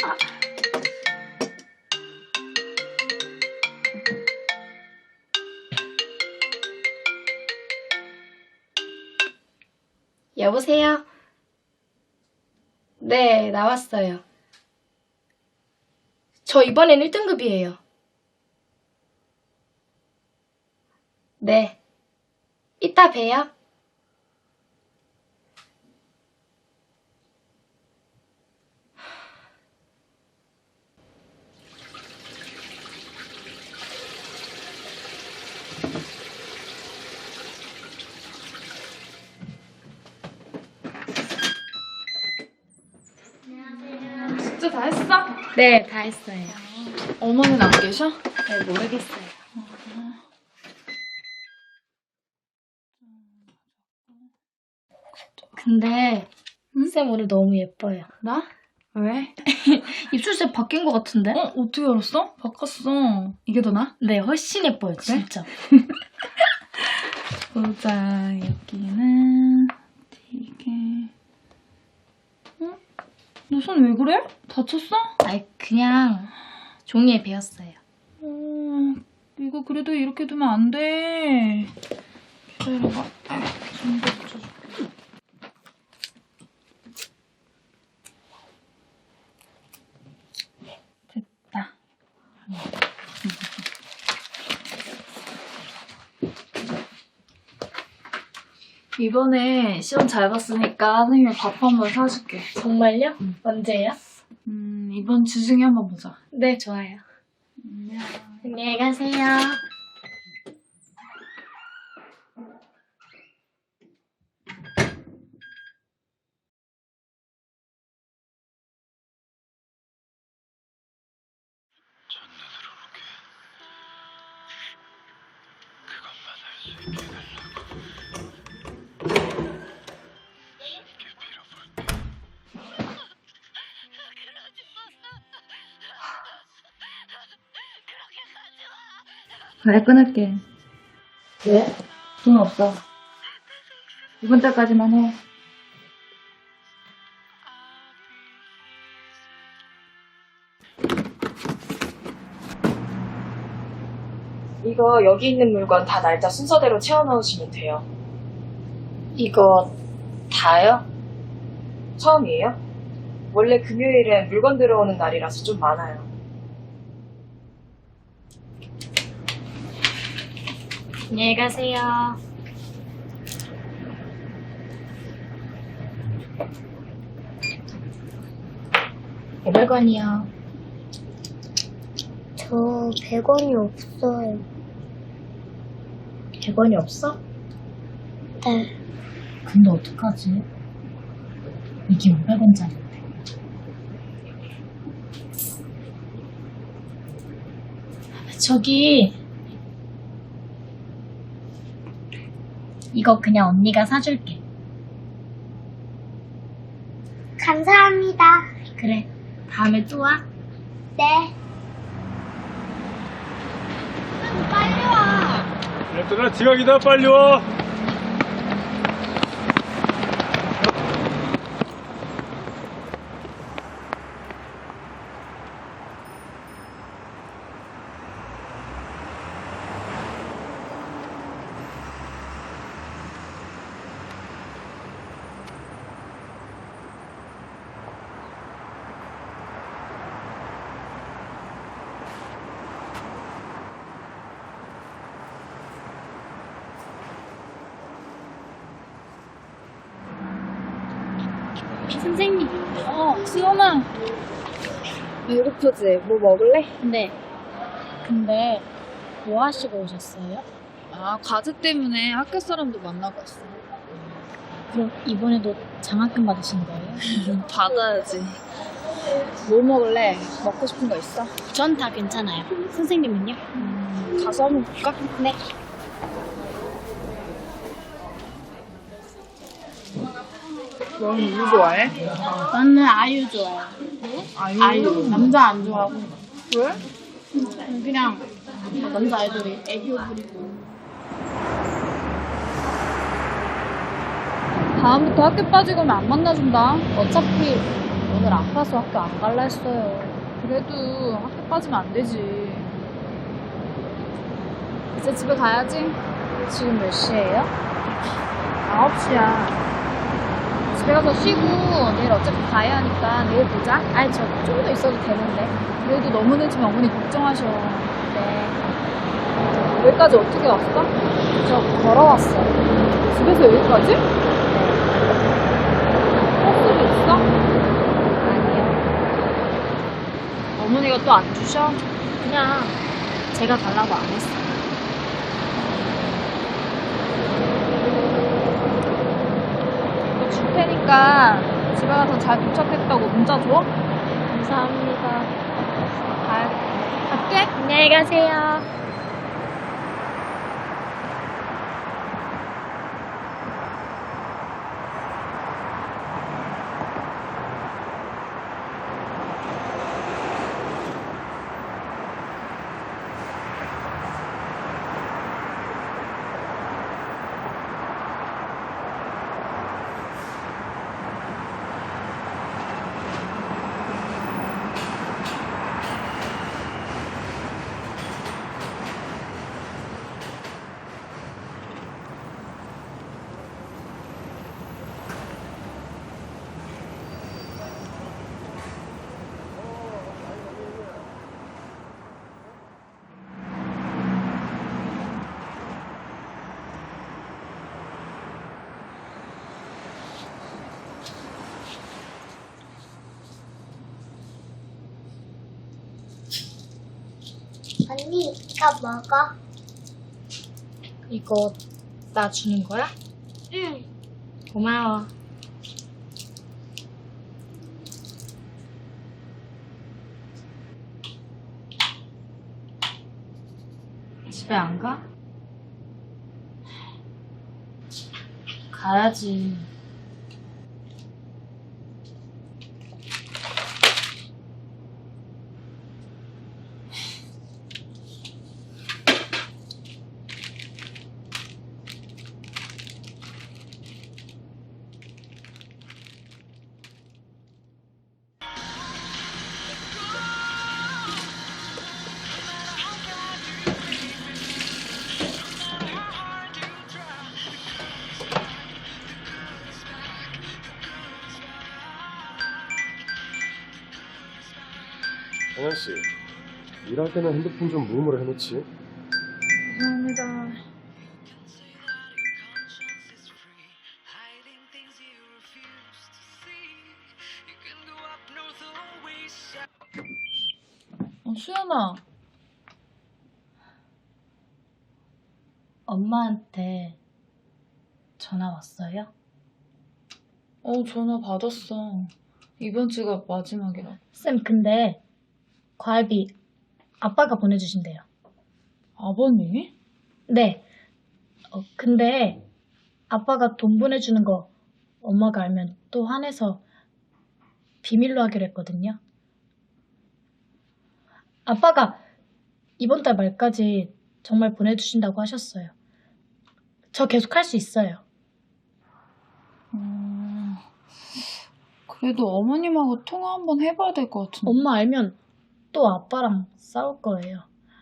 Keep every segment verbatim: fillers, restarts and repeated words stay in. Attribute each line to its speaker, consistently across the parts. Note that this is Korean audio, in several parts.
Speaker 1: 여보세요? 네, 나왔어요. 저 이번엔 일 등급이에요. 네. 이따 봬요.
Speaker 2: 숙제 다 했어?
Speaker 1: 네, 다 했어요.
Speaker 2: 어머니는 안 계셔?
Speaker 1: 네, 모르겠어요. 근데
Speaker 2: 응?
Speaker 1: 쌤 오늘 너무 예뻐요.
Speaker 2: 나? 왜?
Speaker 1: 입술색 바뀐 것 같은데?
Speaker 2: 어? 어떻게 알았어? 바꿨어. 이게 더 나?
Speaker 1: 네, 훨씬 예뻐요, 진짜.
Speaker 2: 보자. 여기는 되게... 어? 너 손 왜 그래? 다쳤어?
Speaker 1: 아이, 그냥 종이에 베었어요.
Speaker 2: 어, 이거 그래도 이렇게 두면 안 돼. 기다려봐. 좀 더 붙여줄게. 됐다. 이번에 시험 잘 봤으니까 선생님이 밥 한번 사줄게.
Speaker 1: 정말요? 언제요?
Speaker 2: 음, 이번 주 중에 한번 보자.
Speaker 1: 네, 좋아요.
Speaker 2: 안녕.
Speaker 1: 안녕히 가세요.
Speaker 3: 첫눈으로 보게 그것만 할 수 있게 해달라고 쉽게 빌어볼게.
Speaker 2: 그래, 끊을게.
Speaker 1: 왜?
Speaker 2: 돈 없어. 이번 달까지만 해.
Speaker 4: 이거 여기 있는 물건 다 날짜 순서대로 채워 넣으시면 돼요.
Speaker 1: 이거 다요?
Speaker 4: 처음이에요? 원래 금요일엔 물건 들어오는 날이라서 좀 많아요.
Speaker 1: 안녕히 가세요. 오백 원이요.
Speaker 5: 저 백 원이 없어요.
Speaker 1: 백 원이 없어?
Speaker 5: 네.
Speaker 1: 근데 어떡하지? 이게 오백 원짜리인데. 저기 이거 그냥 언니가 사줄게.
Speaker 5: 감사합니다.
Speaker 1: 그래, 다음에 또 와.
Speaker 5: 네. 빨리 와.
Speaker 3: 얘들아 지각이다 빨리 와.
Speaker 1: 선생님.
Speaker 2: 어, 수연아.
Speaker 4: 배고프지? 뭐 먹을래?
Speaker 1: 네. 근데 뭐 하시고 오셨어요?
Speaker 2: 아, 과제 때문에 학교 사람도 만나고 왔어.
Speaker 1: 그럼 이번에도 장학금 받으신 거예요?
Speaker 2: 받아야지. 뭐 먹을래? 먹고 싶은 거 있어?
Speaker 1: 전 다 괜찮아요. 선생님은요?
Speaker 2: 음, 가서 한번 볼까?
Speaker 1: 네.
Speaker 2: 너는 누구 좋아해?
Speaker 1: 나는 아유 좋아요.
Speaker 2: 아유.
Speaker 1: 아유. 남자 안 좋아하고.
Speaker 2: 왜?
Speaker 1: 그냥 남자 아이돌이 애교 부리고.
Speaker 2: 다음부터 학교 빠지고 오면 안 만나준다.
Speaker 1: 어차피
Speaker 2: 오늘 아파서 학교 안 갈라 했어요. 그래도 학교 빠지면 안 되지. 이제 집에 가야지. 지금 몇 시예요? 아홉 시야. 집에 가서 쉬고 내일 어차피 가야 하니까 내일 보자. 아니 저 좀 더 있어도 되는데. 그래도 너무 늦으면 어머니 걱정하셔. 네. 여기까지 어떻게 왔어? 저 걸어왔어. 집에서 여기까지? 네. 버스도 있어? 아니요. 어머니가 또 안 주셔? 그냥 제가 달라고 안 했어. 이거 줄 테니까 집에 가서 잘 도착했다고 문자 줘? 감사합니다. 갈, 갈게. 안녕히 가세요.
Speaker 5: 언니, 이거 먹어.
Speaker 1: 이거 나 주는 거야?
Speaker 5: 응.
Speaker 1: 고마워. 집에 안 가? 가야지.
Speaker 6: 정한씨, 일할 때는 핸드폰 좀 무음으로 해놓지.
Speaker 2: 감사합니다. 어, 수연아.
Speaker 1: 엄마한테 전화 왔어요?
Speaker 2: 어, 전화 받았어. 이번 주가 마지막이라.
Speaker 1: 쌤, 근데 과외비 아빠가 보내주신대요.
Speaker 2: 아버님이?
Speaker 1: 네. 어, 근데 아빠가 돈 보내주는 거 엄마가 알면 또 화내서 비밀로 하기로 했거든요. 아빠가 이번 달 말까지 정말 보내주신다고 하셨어요. 저 계속 할 수 있어요.
Speaker 2: 음, 그래도 어머님하고 통화 한번 해봐야 될 것 같은데.
Speaker 1: 엄마 알면 또 아빠랑 싸울 거예요.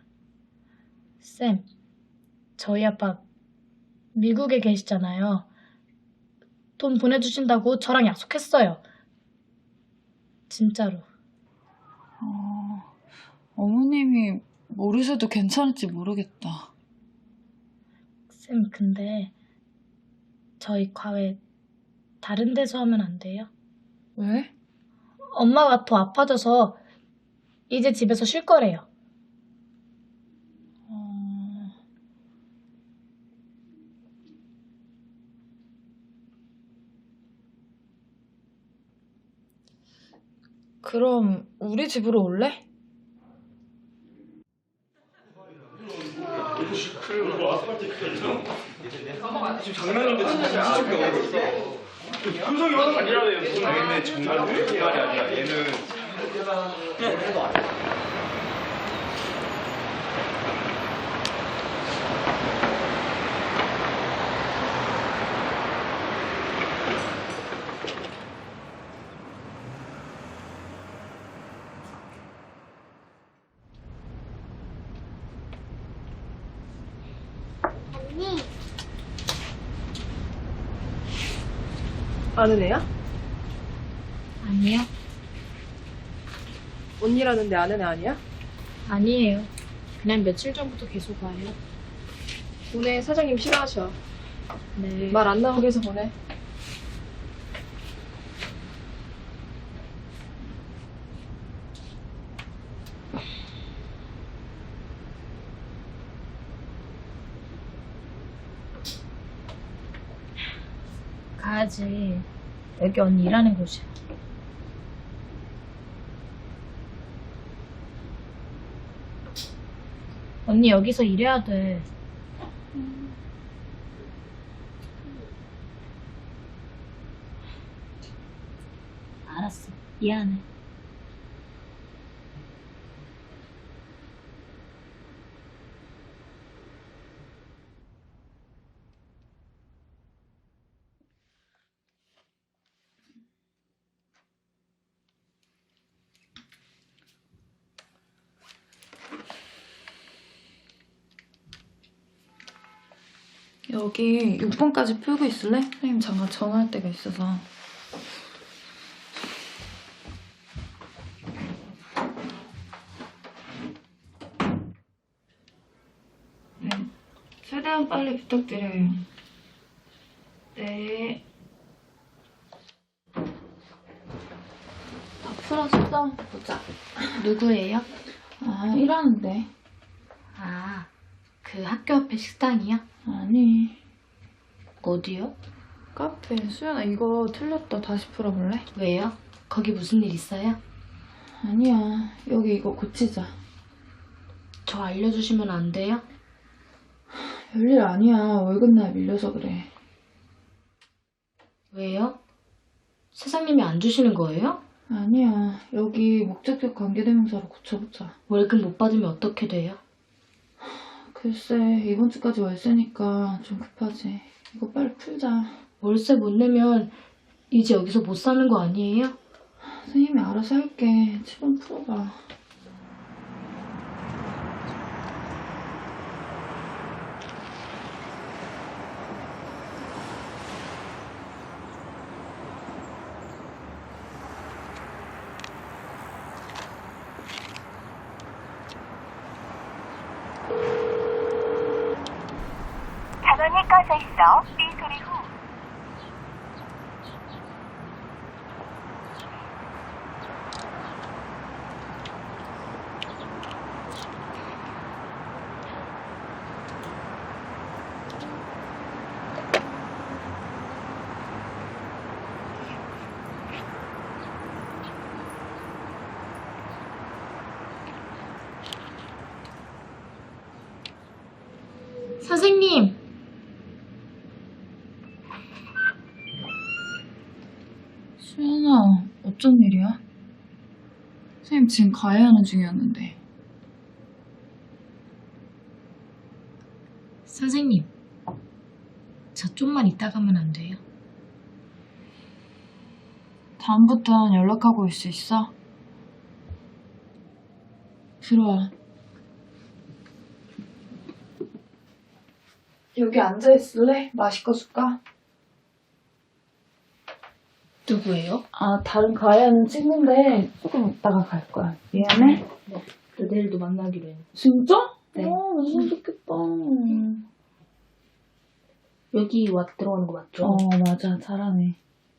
Speaker 1: 쌤, 저희 아빠 미국에 계시잖아요. 돈 보내주신다고 저랑 약속했어요. 진짜로.
Speaker 2: 어, 어머님이 모르셔도 괜찮을지 모르겠다.
Speaker 1: 쌤, 근데 저희 과외 다른 데서 하면 안 돼요?
Speaker 2: 왜?
Speaker 1: 엄마가 더 아파져서 이제 집에서 쉴 거래요.
Speaker 2: 어... 그럼 우리 집으로 올래?
Speaker 3: 장난인데 진짜 표정이 확 아니라네요. 얘는 정말 정말이 아니라 얘는
Speaker 4: 아는 애야?
Speaker 1: 아니요.
Speaker 4: 언니라는데 아는 애 아니야?
Speaker 1: 아니에요. 그냥 며칠 전부터 계속 와요.
Speaker 4: 보내. 사장님 싫어하셔.
Speaker 1: 네.
Speaker 4: 말 안 나오게 해서 보내.
Speaker 1: 가야지. 여기 언니 일하는 곳이야. 언니 여기서 일해야 돼. 알았어. 미안해.
Speaker 7: 여기 육 번까지 풀고 있을래? 선생님 잠깐 전화할 때가 있어서. 네, 최대한 빨리 부탁드려요. 네. 다 풀었어? 보자.
Speaker 1: 누구예요?
Speaker 7: 아, 일하는데.
Speaker 1: 아, 그 학교 앞에 식당이요?
Speaker 7: 아니,
Speaker 1: 어디요?
Speaker 7: 카페. 수연아, 이거 틀렸다. 다시 풀어볼래?
Speaker 1: 왜요? 거기 무슨 일 있어요?
Speaker 7: 아니야. 여기 이거 고치자.
Speaker 1: 저 알려주시면 안 돼요?
Speaker 7: 별일 아니야. 월급날 밀려서 그래.
Speaker 1: 왜요? 사장님이 안 주시는 거예요?
Speaker 7: 아니야. 여기 목적격 관계대명사로 고쳐보자.
Speaker 1: 월급 못 받으면 어떻게 돼요?
Speaker 7: 글쎄, 이번 주까지 월세니까 좀 급하지. 이거 빨리 풀자.
Speaker 1: 월세 못 내면 이제 여기서 못 사는 거 아니에요?
Speaker 7: 선생님이 알아서 할게. 칠 번 풀어봐.
Speaker 8: 전원이 꺼져 있어 삐 소리 후
Speaker 1: 선생님!
Speaker 7: 수연아, 어쩐 일이야? 선생님 지금 가야 하는 중이었는데.
Speaker 1: 선생님, 저 좀만 이따 가면 안 돼요?
Speaker 7: 다음부턴 연락하고 올 수 있어? 들어와. 여기 앉아있을래? 마실 거 줄까?
Speaker 1: 누구예요?
Speaker 7: 아, 다른 가야 하는 친구인데 조금 있다가 갈 거야. 미안해?
Speaker 1: 저 내일도 만나기로 해요.
Speaker 7: 진짜?
Speaker 1: 네.
Speaker 7: 어, 너무 좋겠다.
Speaker 1: 여기 와 들어가는 거 맞죠?
Speaker 7: 어, 맞아. 잘하네.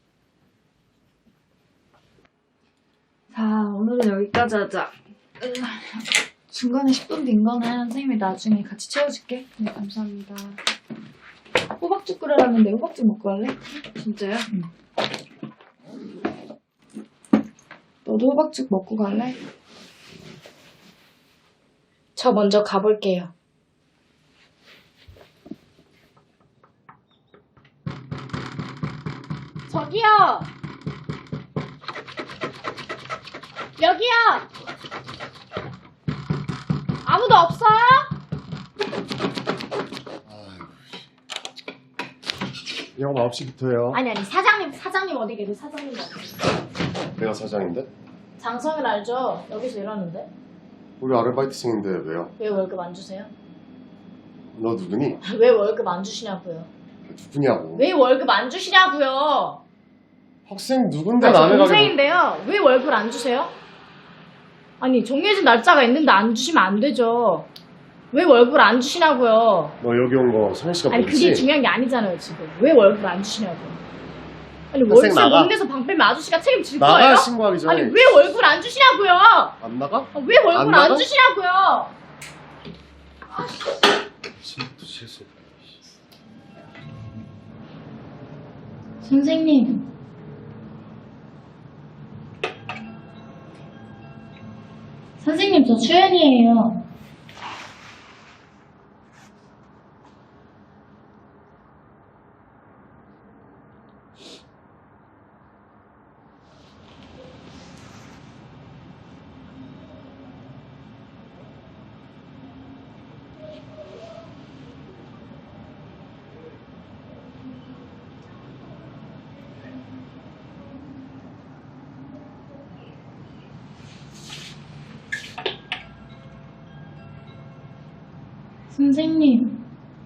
Speaker 7: 자, 오늘은 여기까지 하자. 중간에 십 분 빈 거는 선생님이 나중에 같이 채워줄게.
Speaker 1: 네, 감사합니다.
Speaker 7: 호박죽 끓여라는데 호박죽 먹고 갈래?
Speaker 1: 진짜요?
Speaker 7: 응. 너도 호박죽 먹고 갈래?
Speaker 1: 저 먼저 가볼게요. 저기요! 여기요! 아무도 없어요?
Speaker 6: 영업 아홉 시부터요.
Speaker 1: 아니 아니 사장님 사장님 어디 계세요? 사장님 어디?
Speaker 6: 내가 사장인데?
Speaker 1: 장성일 알죠? 여기서 일하는데
Speaker 6: 우리 아르바이트생인데 왜요?
Speaker 1: 왜 월급 안 주세요?
Speaker 6: 너 누구니?
Speaker 1: 왜 월급 안 주시냐고요?
Speaker 6: 누구냐고.
Speaker 1: 왜 월급 안 주시냐고요?
Speaker 6: 학생 누군데
Speaker 1: 아, 저
Speaker 6: 남의 가게
Speaker 1: 동생인데요. 왜 월급 안 주세요? 아니, 정해진 날짜가 있는데 안 주시면 안 되죠. 왜 월급을 안 주시냐고요.
Speaker 6: 너 여기 온 거 성현 씨가
Speaker 1: 아니,
Speaker 6: 보냈지?
Speaker 1: 그게 중요한 게 아니잖아요, 지금. 왜 월급을 안 주시냐고요. 아니,
Speaker 6: 학생
Speaker 1: 월세
Speaker 6: 나가.
Speaker 1: 못 내서 방 빼면 아저씨가 책임질
Speaker 6: 나가
Speaker 1: 거예요?
Speaker 6: 신고하기 전에.
Speaker 1: 아니, 왜 월급을 안 주시냐고요.
Speaker 6: 안 나가?
Speaker 1: 아, 왜 월급을
Speaker 6: 안
Speaker 1: 안,
Speaker 6: 나가?
Speaker 1: 주시냐고요.
Speaker 6: 진짜 실수.
Speaker 1: 선생님. 선생님, 저 수연이에요. 선생님.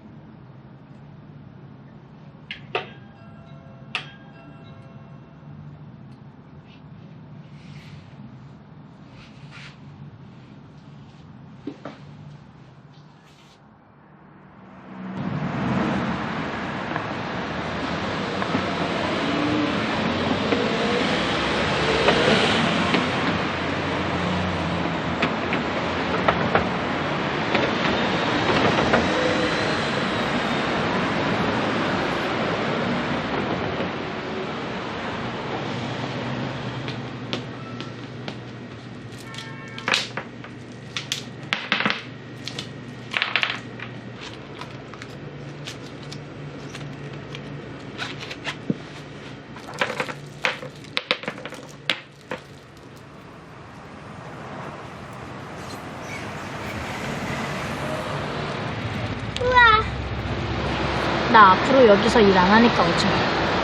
Speaker 1: 나 앞으로 여기서 일 안 하니까 오지 마.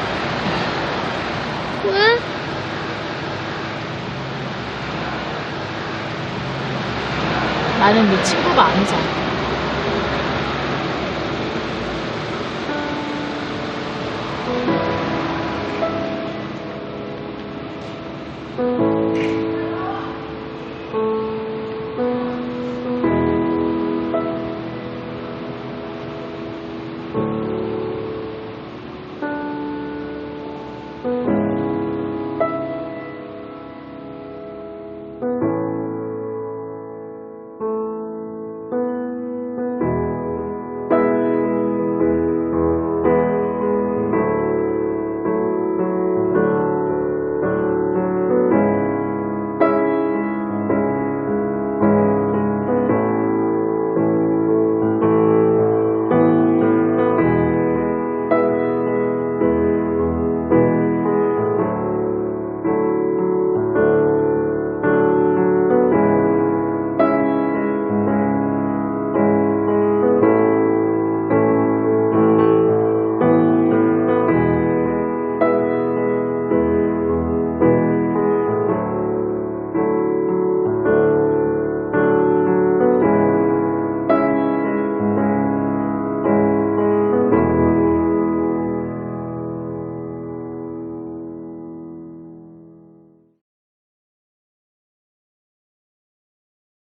Speaker 5: 왜?
Speaker 1: 나는 네 친구가 아니잖아.